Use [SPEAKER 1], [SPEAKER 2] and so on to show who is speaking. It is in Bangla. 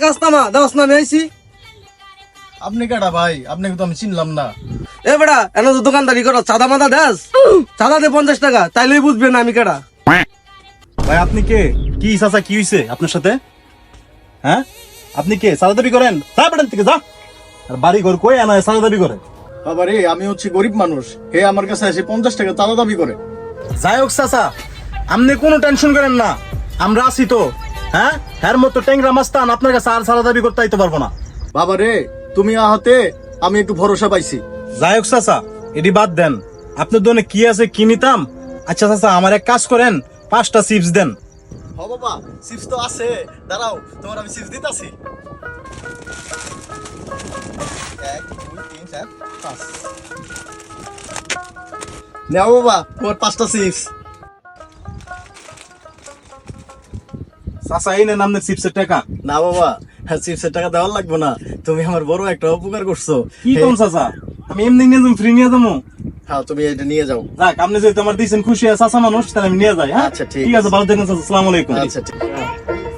[SPEAKER 1] রাস্তা মা দাস না আইছি।
[SPEAKER 2] আপনি কেডা ভাই? আপনাকে তো আমি চিনলাম না।
[SPEAKER 1] এ বেটা এনে তো দোকানদারি করো, চাঁদা মাদা দেস, চাঁদা দে 50 টাকা, তাইলেই বুঝবে না আমি কেডা।
[SPEAKER 2] ভাই আপনি কে? কি চাচা কি হইছে আপনার সাথে? হ্যাঁ আপনি কে? সাদা দাবি করেন? যা বেটান থেকে যা। আর বাড়ি ঘর কই আনা সাদা দাবি করে? বাবা রে, আমি হচ্ছে গরিব মানুষ, হে আমার কাছে এসে 50 টাকা চাঁদা দাবি করে। যাই হোক চাচা, আপনি কোনো টেনশন করেন না, আমরা আছি তো। হ্যাঁ হ্যার মতো ট্যাংরা মাস্তান আপনার কাছে আর সাদা দাবি করতে আইতে পারবো না। বাবা রে, তুমি আহতে আমি একটু ভরসা পাইছি। যাই হোক চাচা, এটি বাদ দেন, আপনার দোকানে কি আছে কি নিতাম? আচ্ছা চাচা, আমার এক কাজ করেন, 5টা চিপস দেন। হ বাবা, চিপস তো আছে, দাঁড়াও তোমার আমি চিপস দিতাছি। 1 2 3 4 5 নাও বাবা, তোমার 5টা চিপস। চাচা এই নেন আপনার চিপসের টাকা। না বাবা, চিপসের টাকা দেওয়ার লাগবে না, তুমি আমার বড় একটা উপকার করছো। কি কোন চাচা? আমি এমনি নিয়ে যাবো, ফ্রি নিয়ে যাবো। হ্যাঁ তুমি এটা নিয়ে যাও। যাক, আপনি যদি তোমার দিয়েছেন খুশি আছে চাচা মানুষ, তাহলে আমি নিয়ে যাই। হ্যাঁ আচ্ছা ঠিক আছে, ভালো থাকেন চাচা, আসসালামু আলাইকুম। আচ্ছা ঠিক আছে।